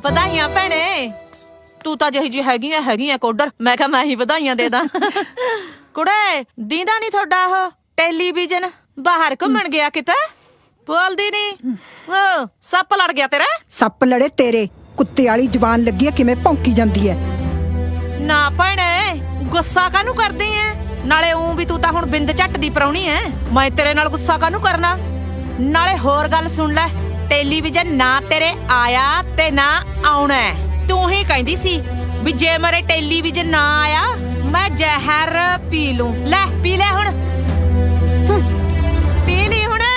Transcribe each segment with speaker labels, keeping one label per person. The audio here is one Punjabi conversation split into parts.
Speaker 1: ਵਧਾਈਆਂ ਭੈਣੇ। ਤੂੰ ਤਾਂ ਜਿਹੀ ਜੀ ਹੈਗੀ ਆ ਕੋਡਰ। ਮੈਂ ਕਿਹਾ ਮੈਂ ਹੀ ਵਧਾਈਆਂ ਦੇ ਦਾਂ। ਕੁੜੇ ਦੀਦਾ ਨਹੀਂ ਤੁਹਾਡਾ ਉਹ ਟੈਲੀਵਿਜ਼ਨ ਬਾਹਰ ਘੁੰਮਣ ਗਿਆ ਕਿਤੇ? ਬੋਲਦੀ ਨਹੀਂ। ਉਹ ਸੱਪ ਲੜ ਗਿਆ ਤੇਰਾ?
Speaker 2: ਸੱਪ ਲੜੇ ਤੇਰੇ ਕੁੱਤੇ ਵਾਲੀ ਜ਼ਬਾਨ ਲੱਗੀ ਐ, ਕਿਵੇਂ ਭੌਂਕੀ ਜਾਂਦੀ ਐ।
Speaker 1: ਨਾ ਭੈਣੇ ਗੁੱਸਾ ਕਾਹਨੂੰ ਕਰਦੀ ਐ? ਨਾਲੇ ਵੀ ਤੂੰ ਤਾਂ ਹੁਣ ਬਿੰਦ ਝੱਟ ਦੀ ਪਰਾਉਣੀ ਐ। ਮੈਂ ਤੇਰੇ ਨਾਲ ਗੁੱਸਾ ਕਾਹਨੂੰ ਕਰਨਾ? ਨਾਲੇ ਹੋਰ ਗੱਲ ਸੁਣ ਲੈ, ਟੈਲੀਵਿਜ਼ਨ ਨਾ ਤੇਰੇ ਆਇਆ ਤੇ ਨਾ ਆਉਣਾ। ਤੂੰ ਹੀ ਕਹਿੰਦੀ ਸੀ ਵੀ ਜੇ ਮੇਰੇ ਟੈਲੀਵਿਜ਼ਨ ਨਾ ਆਇਆ ਮੈਂ ਜ਼ਹਿਰ ਪੀ ਲੂੰ। ਲੈ ਪੀ ਲੈ ਹੁਣ, ਪੀ ਲਈ ਹੁਣ।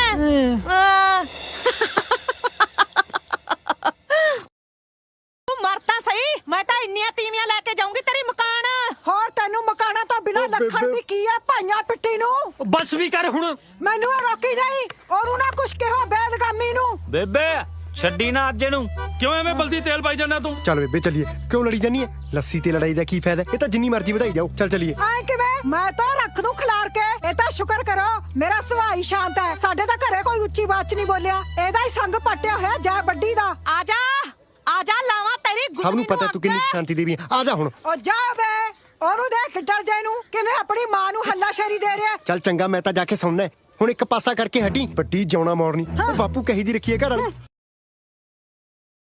Speaker 1: ਤੂੰ ਮਰ ਤਾਂ ਸਹੀ, ਮੈਂ ਤਾਂ ਇੰਨੀਆਂ ਤੀਵੀਆਂ ਲੈ ਕੇ ਜਾਊਂਗੀ ਤੇਰੀ ਮਕਾਨ।
Speaker 2: ਹੋਰ ਤੈਨੂੰ ਮਕਾਨਾ ਤਾਂ ਬਿਨਾਂ ਲੱਖਣ ਦੀ ਕੀ ਐ ਭਾਈਆਂ ਪਿੱਟੀ ਨੂੰ।
Speaker 3: ਬਸ ਵੀ ਕਰ ਹੁਣ।
Speaker 2: ਮੈਨੂੰ ਇਹ ਰੋਕੀ ਨਹੀਂ, ਉਹਨੂੰ ਨਾ ਕੁਛ ਕਿਹੋ ਬੇਦਗਾਮੀ ਨੂੰ।
Speaker 3: ਬੇਬੇ ਛੱਡੀ ਨਾ ਅੱਜ ਨੂੰ।
Speaker 4: ਕਿਉਂ ਐਵੇਂ ਬਲਦੀ ਤੇਲ ਪਾਈ ਜਾਂਦਾ ਤੂੰ?
Speaker 5: ਚੱਲ ਬੇਬੇ ਚੱਲੀਏ। ਕਿਉਂ ਲੜੀ ਜਾਨੀ ਐ? ਲੱਸੀ ਤੇ ਲੜਾਈ ਦਾ ਕੀ ਫਾਇਦਾ? ਇਹ ਤਾਂ ਜਿੰਨੀ ਮਰਜ਼ੀ ਵਧਾਈ ਜਾਓ। ਚੱਲ ਚੱਲੀਏ।
Speaker 2: ਐ ਕਿਵੇਂ? ਮੈਂ ਤਾਂ ਰੱਖ ਦੂੰ ਖਿਲਾਰ ਕੇ। ਇਹ ਤਾਂ ਸ਼ੁਕਰ ਕਰੋ ਮੇਰਾ ਸੁਭਾਅ ਹੀ ਸ਼ਾਂਤ ਹੈ। ਸਾਡੇ ਤਾਂ ਘਰੇ ਕੋਈ ਉੱਚੀ ਬਾਤ ਨਹੀਂ ਬੋਲਿਆ। ਇਹਦਾ ਹੀ ਸੰਗ ਪੱਟਿਆ ਹੋਇਆ ਜੈ ਵੱਡੀ ਦਾ।
Speaker 1: ਆ ਜਾ ਲਾਵਾਂ ਤੇਰੀ ਗੁੱਡੀ।
Speaker 5: ਸਭ ਨੂੰ ਪਤਾ ਤੂੰ ਕਿੰਨੀ ਸ਼ਾਂਤੀ ਦੇਵੀ ਆ ਜਾ ਹੁਣ।
Speaker 2: ਉਹ ਜਾ ਵੇ, ਉਹਨੂੰ ਦੇਖ ਡਰ ਜੇ ਨੂੰ ਕਿਵੇਂ ਆਪਣੀ ਮਾਂ ਨੂੰ ਹੱਲਾਸ਼ੇਰੀ ਦੇ ਰਿਹਾ।
Speaker 5: ਚੱਲ ਚੰਗਾ, ਮੈਂ ਤਾਂ ਜਾ ਕੇ ਸੁਣਨਾ। ਹੁਣ ਇੱਕ ਪਾਸਾ ਕਰਕੇ ਹਟੀ। ਵੱਡੀ ਜਿਉਣਾ ਮੋੜਨੀ। ਉਹ ਬਾਪੂ ਕਹੀ ਦੀ ਰੱਖੀਏ ਘਰ ਵਾਲੀ।